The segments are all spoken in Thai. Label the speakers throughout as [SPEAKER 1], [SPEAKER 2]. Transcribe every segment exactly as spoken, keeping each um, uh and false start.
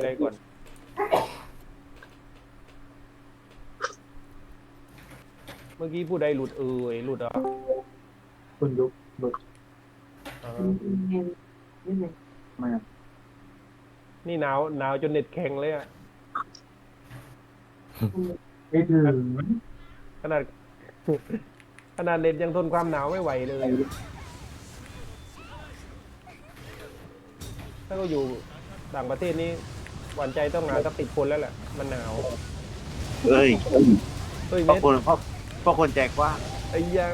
[SPEAKER 1] อะไรก่อนเมื่อกี้ผู้ใดหลุดเอ่ยหลุดเหรอ
[SPEAKER 2] คุณยุคหลุด
[SPEAKER 1] อ่า
[SPEAKER 2] มา
[SPEAKER 1] นี่หนาวหนาวจนเน็ตแข็งเลยอะ
[SPEAKER 2] ไม่ถึง
[SPEAKER 1] ขนาดขนาดเน็ตยังทนความหนาวไม่ไหวเลยอะถ้าก็อยู่ต่างประเทศนี้หวานใจต้องหาสักติดคนแล้วแหละมันหนาว
[SPEAKER 3] เอ้ย
[SPEAKER 1] เฮ้ยเม็ด
[SPEAKER 3] เพราะคนเพราะเพราะคนแจกกว่าง
[SPEAKER 1] ไอ้ยา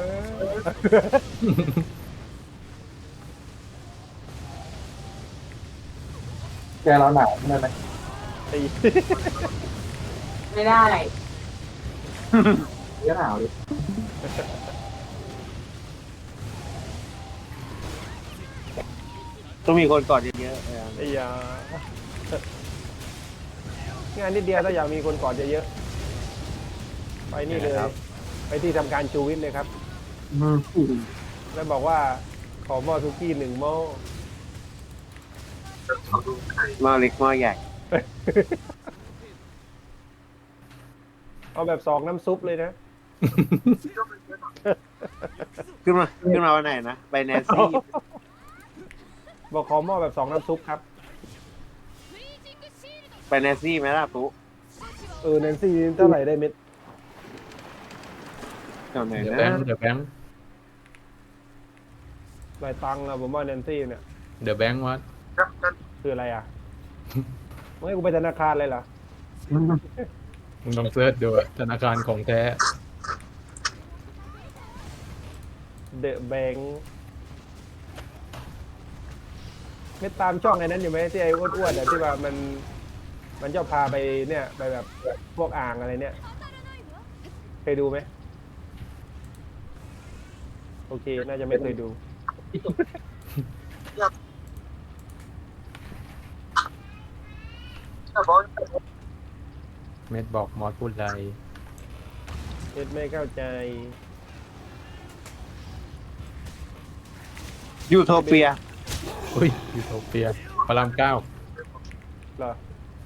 [SPEAKER 2] แกเราหนาวใช่ไหม
[SPEAKER 1] ไอ้
[SPEAKER 4] ไม่ได้
[SPEAKER 2] ก็หนาวดิ
[SPEAKER 3] ต้องมีคนกอดเยอะๆเออ
[SPEAKER 1] ไอ้ยางานนิดเดียวถ้าอยากมีคนกอดเยอะๆไปนี่เลยไปที่ทำการชูวิทย์เลยครับแล้วบอกว่าขอหม้อซุกี้หนึ่งหม้อ
[SPEAKER 3] หม้อเล็กหม้อใหญ่
[SPEAKER 1] เอาแบบสองน้ำซุปเลยนะ
[SPEAKER 3] ขึ้นมาขึ้นมาวันไหนนะไปแนนซี่
[SPEAKER 1] บอกขอหม้อแบบสองน้ำซุปครับ
[SPEAKER 3] ไปแนนซี่ไหมล่ะปุ๊
[SPEAKER 1] เออแนนซี่เท่าไหร่ได้เม็ด
[SPEAKER 3] แถวไหน
[SPEAKER 5] เดี๋ยว
[SPEAKER 3] นะ
[SPEAKER 5] แบงค์เดี๋ยวแบงค์
[SPEAKER 1] หลายตังค์อะผมว่าแนนซี่เนี่ย
[SPEAKER 5] เดี๋ยวแบงค์วัด
[SPEAKER 1] คืออะไรอ่ะ ไม่ให้กูไปธนาคารเลยเหรอ
[SPEAKER 5] มึงลองเสิร์ชดูอะธนาคารของแท้
[SPEAKER 1] เดอะแบงค์ไม่ตามช่องไอ้นั้นอยู่ไหมที่ไอ้อ้วนๆอะที่ว่ามัน มันชอบพาไปเนี่ยไปแบบพวกอ่างอะไรเนี่ยเคยดูไหมโอเค น่าจะไม่เคยดู
[SPEAKER 5] เม็ดบอกมอสพูดอะไร
[SPEAKER 1] เอ็ดไม่เข้าใจ
[SPEAKER 3] ยูโทเปีย
[SPEAKER 5] อุ้ยยูโทเปียพระรามเก้า
[SPEAKER 1] เหรอ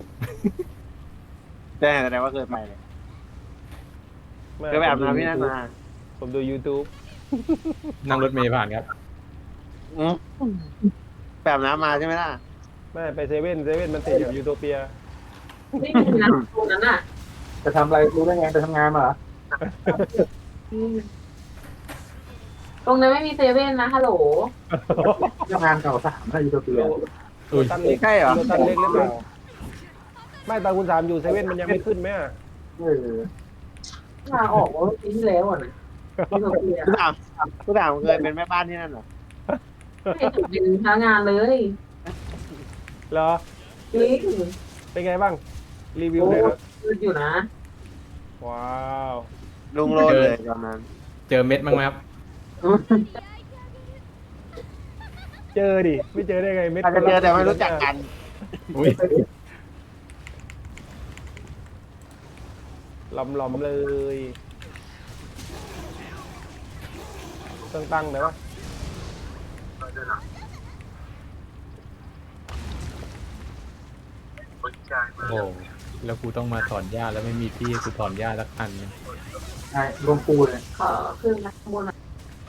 [SPEAKER 3] แต่แสดงว่าเคยไปเลย
[SPEAKER 1] ไม่
[SPEAKER 3] เคยไปอาบน้ำที่นั่นมา
[SPEAKER 1] ผมดู YouTube
[SPEAKER 5] นั่งรถเมล์ผ่านครับ
[SPEAKER 3] อืมไปอาบน้ำมาใช่ไหมล่ะ
[SPEAKER 1] ไม่ไปเซเว่นเซเว่นมันติดกับยูโทเปีย
[SPEAKER 4] ไม่มีนะตรงนั้นอ่ะ
[SPEAKER 2] จะทำอะไรรู้ได้ไงไปทำงานมาเหรอ
[SPEAKER 4] อืมตรงนั้นไม่มีเซเว่นนะฮัลโหล
[SPEAKER 2] ทำงานเก่าสามถ้ายูโทเปีย
[SPEAKER 1] โลตันเล็ก
[SPEAKER 3] ใช่เหรอ
[SPEAKER 1] โลตันเล็กหรือเปล่าไม่ตอนคุณสามอยู่เซเว่นมันยังไม่ขึ้นไหมอะ
[SPEAKER 2] เออ
[SPEAKER 4] ลาออกว่าปีที่แล้วอ่ะนะที่โรงเรียน
[SPEAKER 3] คุณถามคุณถามเคยเป็นแม่บ้านที่นั่นเหรอ
[SPEAKER 4] ไม่ถึงเป็นพนักงานเลย
[SPEAKER 1] เหรอ
[SPEAKER 4] จริง
[SPEAKER 1] เป็นไงบ้าง รีวิว
[SPEAKER 4] โอ้
[SPEAKER 1] หน่อยครับ
[SPEAKER 4] ยืดอยู่นะ
[SPEAKER 1] ว้าว
[SPEAKER 3] ลุงโรดเลยตอนนั้น
[SPEAKER 5] เจอเม็ดบ้างไหมครับ
[SPEAKER 1] เจอดิ ไม่เจอได้ไงเม็ด
[SPEAKER 3] อาจจะเจอแต่ไม่รู้จักกัน
[SPEAKER 5] อุ้ย
[SPEAKER 1] หลอมๆเลยตั้งตั้งไหนวะ
[SPEAKER 5] โอ้โหแล้วกูต้องมาถอนหญ้าแล้วไม่มีที่ให้กูถอนหญ้าสักอันนึง
[SPEAKER 2] ใช่รวมปูเลย
[SPEAKER 4] ขอขึ้นนะข้างบนอ่ะ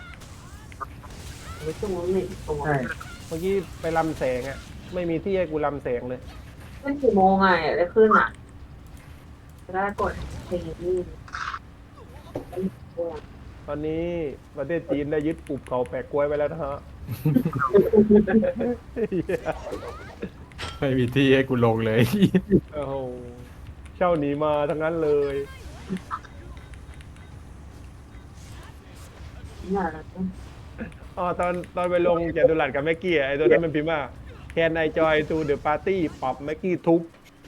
[SPEAKER 4] ไว้ตรงนู้นนี่ตรง
[SPEAKER 2] ใช่
[SPEAKER 1] เมื่อกี้ไปลำแสงอะไม่มีที่ให้กูลำแสงเลย
[SPEAKER 4] เป็นกี่โมงไงได้ขึ้นอ่ะจะได้กดเพลงนี่
[SPEAKER 1] ตอนนี้ประเทศจีนได้ยึดปุบเขาแปะกล้วยไปแล้วนะฮะ
[SPEAKER 5] ไม่มีที่ให้กูลงเลย
[SPEAKER 1] โอ้โหเช่าหนีมาทั้งนั้นเลย
[SPEAKER 4] น่า
[SPEAKER 1] อ๋อตอนตอนไปลงแกดูหลัดกับแม็กกี้อะไอ้ตัวนั้นมันพิมพ์ว่า Can I join to the party ปรับแม็กกี้ทุบ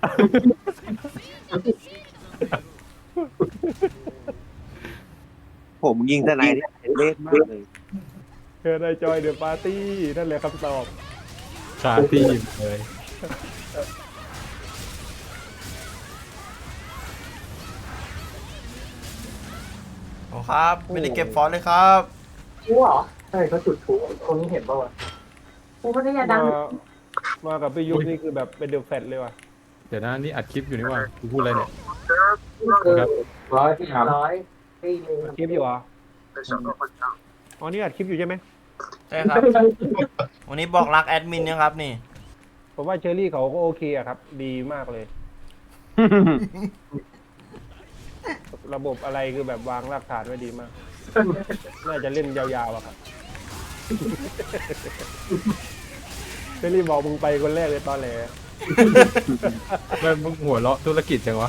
[SPEAKER 3] ผมยิงทนายที่เล่นมากเลย
[SPEAKER 1] Can I join the party นั่นแหละคำตอบ
[SPEAKER 5] คาที่เลย
[SPEAKER 6] โอ้ครับ ไม่ได้เก็บฟอนต์เลยครับ
[SPEAKER 4] กูเหรอ
[SPEAKER 2] ใช่เขาจุดพลุคนนี้เห็นป่าวะ
[SPEAKER 4] กูไม่ได้ยาดั
[SPEAKER 1] มาง มากับพี่ยุทธนี่คือแบบเป็นเดอะแฟตเลยว่ะ
[SPEAKER 5] เดี๋ยวนะนี่อัดคลิปอยู่นี่หว่ากูพูดอะไรเนี่ย
[SPEAKER 2] เออร้อยที่สาม
[SPEAKER 4] ร้อยปีเลย
[SPEAKER 1] อัดคลิปอยู่เหรออ๋อนี่อัดคลิปอยู่ใช่ไหม
[SPEAKER 6] ใช่ครับ วันนี้บอกรักแอดมินนะครับนี่
[SPEAKER 1] ผมว่าเชอรี่เขาก็โอเคอะครับ ดีมากเลย ระบบอะไรคือแบบวางรากฐานไว้ดีมาก น่าจะเล่นยาวๆอะครับ เชอรี่บอกมึงไปคนแรกเลยตอนแหล
[SPEAKER 5] ไม่มึงหัวเราะธุรกิจจังวะ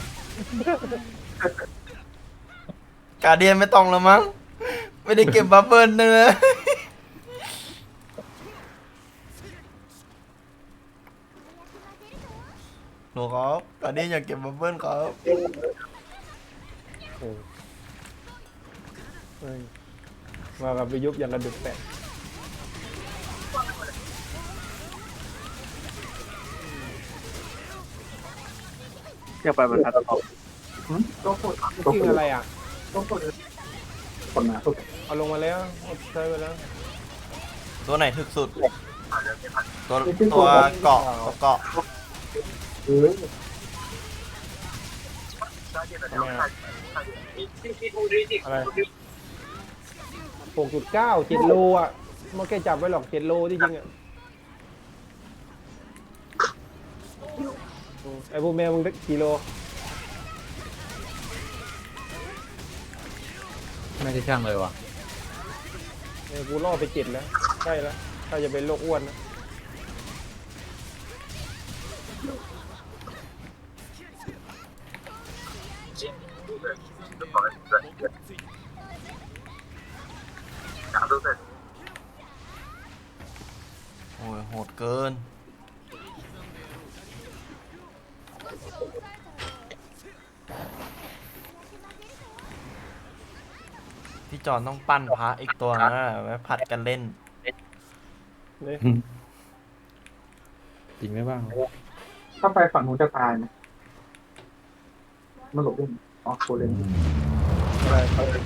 [SPEAKER 6] กาเดียนไม่ต้องแล้วมั้ง ไม่ได้เก็บบัฟเฟิลเนอะหนูครับกาเดียนอยากเก็บบัฟเฟิลครับ
[SPEAKER 1] โอ้เฮ้ยมากับไปยุบอย่างกระดุกแตก
[SPEAKER 3] อยากไปบรรทัดต่อ
[SPEAKER 2] ก็พูด
[SPEAKER 1] กิ้งอะไรอ่ะ
[SPEAKER 2] ก็พูดคนมาสุด
[SPEAKER 1] เอาลงมาแล้วใช้ไปแล้ว
[SPEAKER 6] ตัวไหนถึกสุด ตัวตัวเกาะตัวเกาะ
[SPEAKER 2] เออ
[SPEAKER 1] ทำไมอะอะไรหกจุดเก้าเจ็ดโลอ่ะไม่แค่จับไว้หรอกเจ็ดโลที่จริงอ่ะอืมไอ้พวกแมวมึงได้กี่โล
[SPEAKER 5] ไม่ใช่ช่างเลยว่ะ
[SPEAKER 1] เออกูล่อไปเจ็ดแล้วใกล้แล้วถ้าจะเป็นโรคอ้วนนะ
[SPEAKER 6] โอ้ยโหดเกิน พี่จอนต้องปั้นพระอีกตัวนะไว้ผัดกันเล่น
[SPEAKER 1] นี่
[SPEAKER 5] จริงไหมบ้าง
[SPEAKER 2] ถ้าไปฝั่งนู้นจะตายไหมมันหลบได้อ๋อโคเลน
[SPEAKER 1] อะไร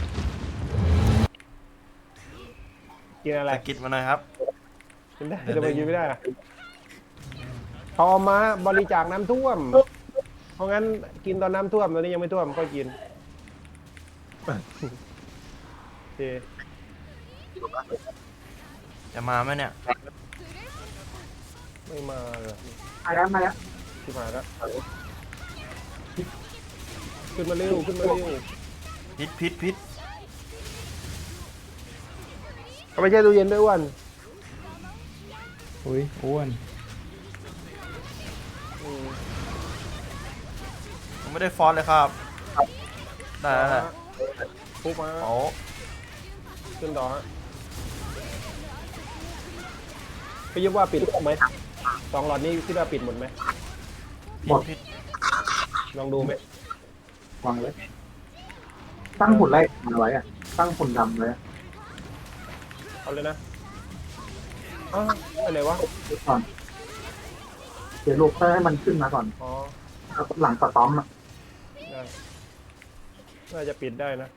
[SPEAKER 1] กินอะไร
[SPEAKER 6] สกิดมาหน่อยครับ
[SPEAKER 1] กินได้จะไปกินไม่ได้อะพอมาบริจาคน้ำท่วม เพราะงั้นกินตอนน้ำท่วมตอนนี้ยังไม่ท่วมก็กินโอเค
[SPEAKER 6] จะมาไหมเนี่ย
[SPEAKER 1] ไม่มาเลย
[SPEAKER 2] มาแล้วมาแล้ว
[SPEAKER 1] ที่มาแล้วขึ้นมาเร็วขึ้นมาเร็ว
[SPEAKER 6] พิษพิษพิษ
[SPEAKER 1] เอาไปแช่ตู้เย็นด้วยอ้วัน
[SPEAKER 5] อุ้ยอ้วน
[SPEAKER 1] อืม
[SPEAKER 6] ผมไม่ได้ฟอนต์เลยครับ ได้แล้วแหละ
[SPEAKER 1] ปุ๊บมา
[SPEAKER 6] โอ้
[SPEAKER 1] ขึ้นต่อฮะพี่ยึดว่าปิดไหมสองหลอดนี้คิดว่าปิดหมดไหม
[SPEAKER 6] พิษพิษ
[SPEAKER 1] ลองดูไหม
[SPEAKER 2] วางไว้ตั้งหุ่นไล่มาไว้อะตั้งหุ่นดำไว้อะ
[SPEAKER 1] เอาเลยนะอ้าวไปไหนวะ
[SPEAKER 2] ก่อนเดี๋ยวลูกให้มันขึ้นมาก่อน
[SPEAKER 1] อ๋อ
[SPEAKER 2] แล้วหลังสตอมอ่ะ
[SPEAKER 1] ได้น่าจะปิดได้นะ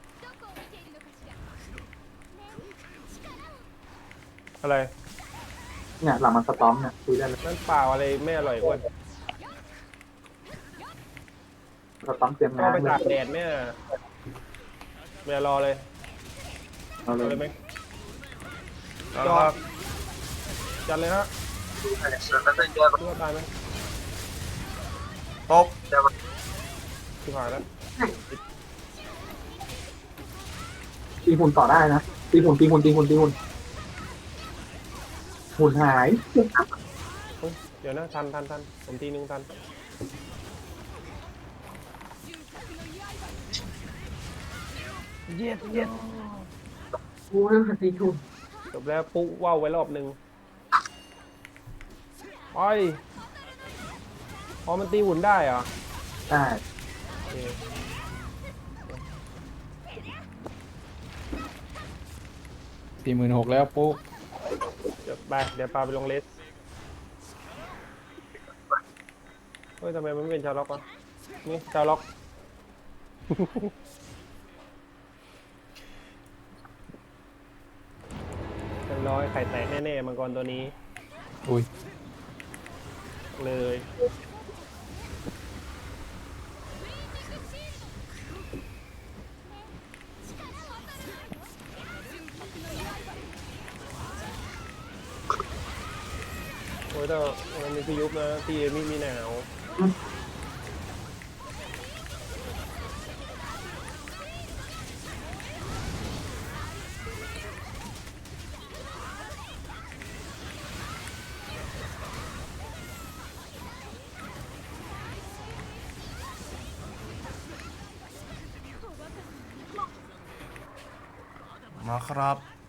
[SPEAKER 1] อะไร
[SPEAKER 2] เนี่ยหลังมันสตอมเนี่ยคุยได้เลย
[SPEAKER 1] นั่นเปล่าอะไรไม่อร่อยอ้วน
[SPEAKER 2] สตอมเตรียม
[SPEAKER 1] ก็
[SPEAKER 2] งาน
[SPEAKER 1] ไป
[SPEAKER 2] เล
[SPEAKER 1] ตาก
[SPEAKER 2] ย
[SPEAKER 1] แดดเนี่ยไม่รอเลย
[SPEAKER 2] เอาเล
[SPEAKER 1] เอา
[SPEAKER 2] ย
[SPEAKER 1] เลยไหม
[SPEAKER 6] แล้วครับ
[SPEAKER 1] จัดเลยฮะคิดว่าตายไหม
[SPEAKER 6] ตบ
[SPEAKER 1] ที่ผ่านแล้ว
[SPEAKER 2] ตีหุ่นต่อได้นะตีหุ่นตีหุ่นตีหุ่นตีหุ่นหุ่นหาย
[SPEAKER 1] เฮ้ยเดี๋ยวนะทันทันทันผมทีนึงทันเย็ดเย็ด
[SPEAKER 4] กูเรื่องตีถูก
[SPEAKER 1] จบแล้วปุ๊ว่าวไว้รอบหนึ่งไปพอมันตีหุ่นได้เหรอ
[SPEAKER 2] ได้
[SPEAKER 1] โอเค
[SPEAKER 5] สี่หมื่นหกแล้วปุ๊บ
[SPEAKER 1] เดี๋ยวไปเดี๋ยวปาไปลงเลสเฮ้ยทำไมมันไม่เป็นชาวล็อกวะนี่ชาวล็อก เป็นร้อยไข่แตกแน่ๆมังกรตัวนี้
[SPEAKER 5] อุ้ย
[SPEAKER 1] เลยยถ้ามันมีพี่ยุบนะพี่เอมี่มีหนาว
[SPEAKER 6] มาครับ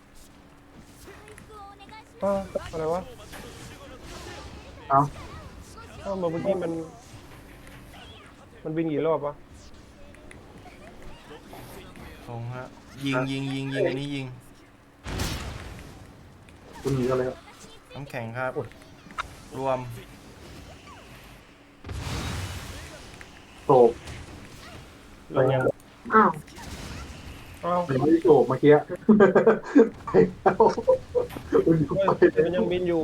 [SPEAKER 1] อ้าวอะไรวะ
[SPEAKER 2] เอา
[SPEAKER 1] อ้าวเมื่อกี้มัน มันบินกี่รอบวะ
[SPEAKER 6] ตรงฮะยิงยิงยิงยิงอันนี้ยิง
[SPEAKER 2] คุณหนีกันเลย
[SPEAKER 6] น้ำแข็งครับ รวม
[SPEAKER 2] โศก
[SPEAKER 1] เรายัง
[SPEAKER 4] อ้าว
[SPEAKER 1] อ้าว
[SPEAKER 2] มันไม่ได้โศกเมื่อกี้ไปแล้วคุณอยู่
[SPEAKER 1] เฮ้ย
[SPEAKER 2] ไป
[SPEAKER 1] แต่มันยังบินอยู่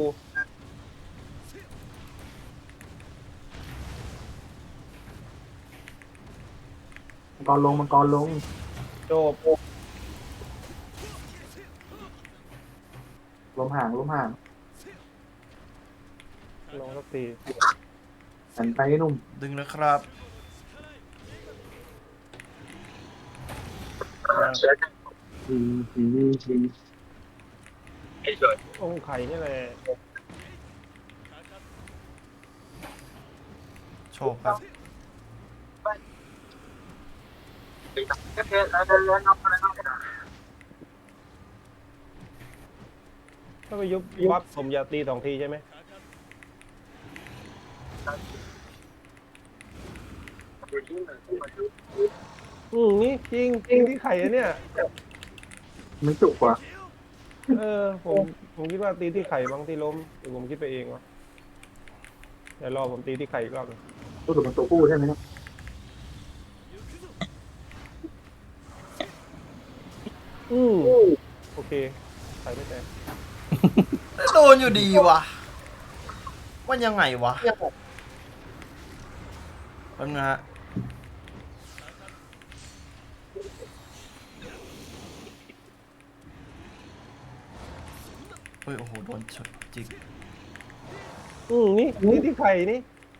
[SPEAKER 2] มังกรลงมังกรลง
[SPEAKER 1] จบ
[SPEAKER 2] ลมห่างลมห่าง
[SPEAKER 1] ลองสักที
[SPEAKER 2] หันไปให้หนุ่ม
[SPEAKER 6] ดึงแล้วครับ
[SPEAKER 2] ดีดีดี
[SPEAKER 1] องค์ไข่นี่แหละ
[SPEAKER 6] โชคครับ
[SPEAKER 1] ถ้าไปยุบวับผมอยากตีสองทีใช่ไหมอืมนี่จริงจริงที่ไข่อะเนี่ย
[SPEAKER 2] มันจุกกว่า
[SPEAKER 1] เออผมผมคิดว่าตีที่ไข่บางที่ล้มหรือผมคิดไปเองวะเดี๋ยวรอผมตีที่ไข่อีกรอบหนึ่ง
[SPEAKER 2] รู้สึกมันตัวผู้ใช่ไหมเนี่ย
[SPEAKER 1] อืมโอเคไข่ไม่แตก
[SPEAKER 6] โดนอยู่ดีวะว่ายังไงวะแป๊บนะฮะเฮ้ยโอ้โหโดนชนจิก
[SPEAKER 1] อืมนี่ตีที่ไข่นี่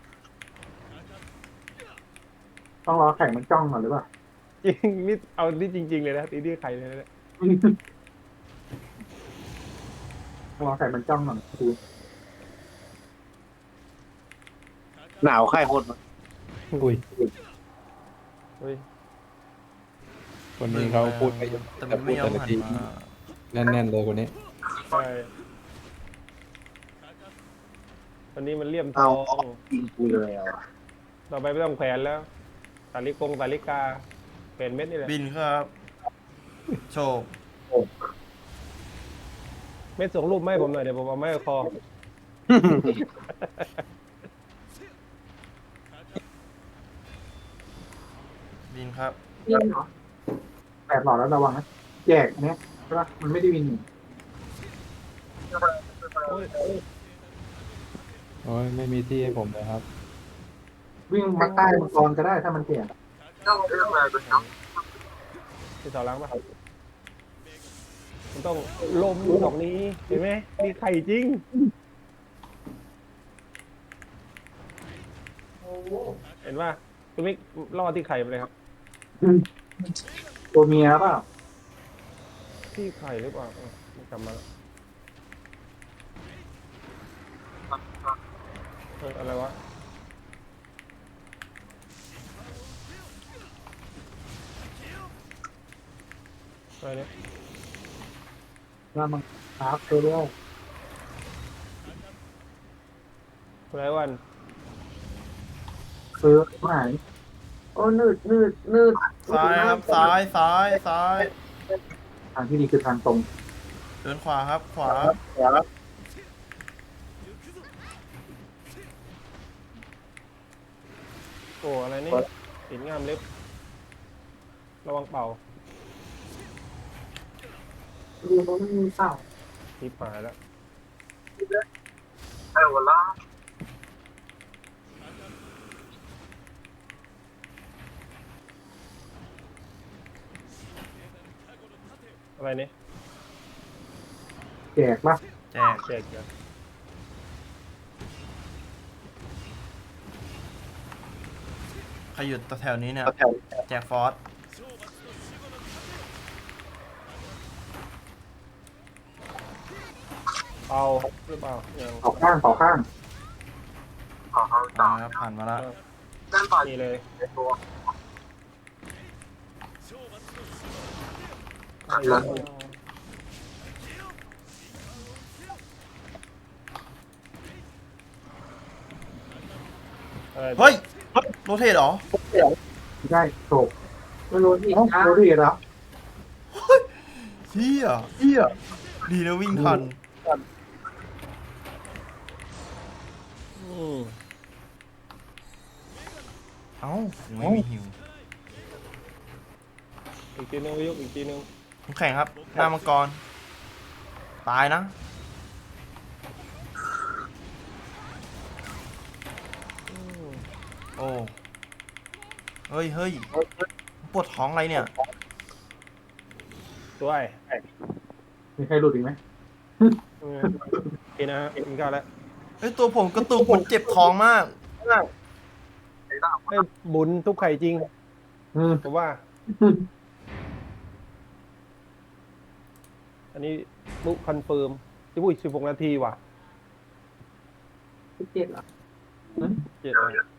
[SPEAKER 2] ต้องรอแข่งมันจ้องก่อนหรือเปล่า
[SPEAKER 1] จริงนี่เอานี่จริง ๆ เลยนะตีที่ไข่เลยนะ
[SPEAKER 2] ต้องรอแข่งมันจ้องก่อนคือ
[SPEAKER 3] หนาวใครคนวะ
[SPEAKER 5] อุ้ย
[SPEAKER 1] เฮ้ย
[SPEAKER 5] คนนี้เขาพูดไป
[SPEAKER 6] แต่มันไม่ยอมหันมา
[SPEAKER 5] แน่นๆเลยคนนี้
[SPEAKER 1] ใช่วันนี้มันเลี่ยมท
[SPEAKER 3] เอา
[SPEAKER 1] อง
[SPEAKER 3] ยิงกูเลยอ่ะ
[SPEAKER 1] ต่อไปไม่ต้องแขวนแล้วสาลิกงสาลิกาแขวนเม็ดนี่แหละ
[SPEAKER 6] บินครับ โชค
[SPEAKER 1] เม็ดส่งรูปมาให้ผมหน่อยเดี๋ยวผมเอาไม้คอ
[SPEAKER 6] บินครับ
[SPEAKER 4] ยิงเหรอ
[SPEAKER 2] แปดหลอดแล้วระวังนะแยกเนี้ยใช่ปะมันไม่ได้วิน
[SPEAKER 1] โอ้ยโอ้ย
[SPEAKER 5] โอ้ยไม่มีที่ให้ผมเลยครับ
[SPEAKER 2] วิ่งมาใต้มังกรก็ได้ถ้ามันแก่
[SPEAKER 1] ที่เสาหล้างปะมันต้องลมดอกนี้เห็นไหมมีไข่จริงเห็นป่ะคุณมิกล่อที่ไข่ไปเลยครับ
[SPEAKER 2] ตัวเมียเปล่า
[SPEAKER 1] ที่ไข่หรือเปล่าเออไม่จำมาแล้วเอออะไรวะอะไรเนี่ย
[SPEAKER 2] ว่ามันคราฟตัวเดียว
[SPEAKER 1] คุณไรวัน
[SPEAKER 2] ซื้อหาย
[SPEAKER 4] โอ้นืดนืดนืด
[SPEAKER 6] ซ้ายครับ ซ้าย ซ้าย ซ้าย
[SPEAKER 2] ทางที่ดีคือทางตรง
[SPEAKER 6] เดินขวาครับ ขวา
[SPEAKER 1] โอ้อะไรนี่หินงามเล็บระวังเป่า
[SPEAKER 4] ดูเขาไม่มีเปล่า
[SPEAKER 1] ทิพหายแล้วอะไรเนี่ย
[SPEAKER 2] แจกปะ
[SPEAKER 6] แจก
[SPEAKER 1] แจกจ้ะ
[SPEAKER 6] ใครอยู่แถวๆนี้เนี่ย
[SPEAKER 3] แถว
[SPEAKER 6] แจ็คฟอส
[SPEAKER 1] เอาหรือเปล่ายัง
[SPEAKER 2] เผาข้างเผาข้าง
[SPEAKER 6] อ่าครับผ่านมาแล้ว
[SPEAKER 1] นี่เลยลงอะไร
[SPEAKER 6] เฮ้ยโรเทตเหรอ
[SPEAKER 2] ไม่ใช่โศก
[SPEAKER 4] มันรู้ที่
[SPEAKER 2] เอ้า
[SPEAKER 4] จ้า
[SPEAKER 2] โรดีแล้ว
[SPEAKER 6] เฮียเฮียดีนะวิ่งทัน
[SPEAKER 1] อืม
[SPEAKER 6] เอ้ายังไม่มีฮิว
[SPEAKER 1] อีกทีนึงยกอีกทีนึง
[SPEAKER 6] ผมแข่งครับ หน้ามังกร ตายนะ โอ้ เฮ้ยเฮ้ยปวดท้องอะไรเนี่ย
[SPEAKER 1] ด้วย
[SPEAKER 2] มีใครหลุดอีกไหม
[SPEAKER 1] อืมนี่นะฮะกินข้าวแล้ว
[SPEAKER 6] เฮ้ย ตัวผมกระตุกผมเจ็บท้องมาก
[SPEAKER 1] ให้หมุนทุกไข่จริง
[SPEAKER 2] อืม
[SPEAKER 1] ผมว่า อันนี้มุกคอนเฟิร์มที่พูดสิบหกนาทีว่ะ
[SPEAKER 4] สิบเจ็ดเหรอ
[SPEAKER 1] เจ็ดเลย